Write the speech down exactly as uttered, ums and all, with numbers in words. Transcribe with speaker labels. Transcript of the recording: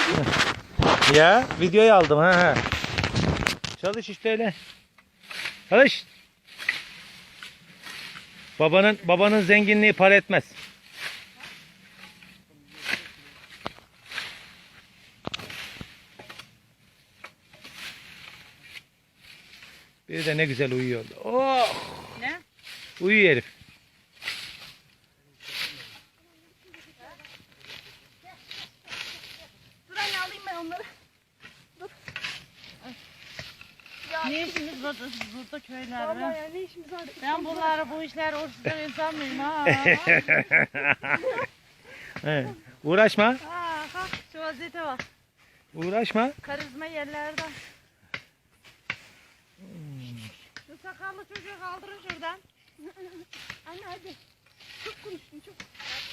Speaker 1: Ya videoyu aldım ha ha. Çalış işte öyle. Çalış. Babanın babanın zenginliği para etmez. Bir de ne güzel uyuyor. Oh!
Speaker 2: Ne?
Speaker 1: Uyuyor herif.
Speaker 3: Dur anne alayım ben onları. Dur. Ya,
Speaker 2: Ne işimiz var burada köylerde?
Speaker 3: vallahi ya ne işimiz var?
Speaker 2: Ben bunları bu işler uğraştıran insan mıyım ha?
Speaker 1: Evet. Uğraşma.
Speaker 2: Ha, ha, şu vaziyete bak.
Speaker 1: Uğraşma.
Speaker 2: Karizma yerlerde. Şu sakallı çocuğu kaldırın şuradan.
Speaker 3: Anne hadi. Çok konuştun çok.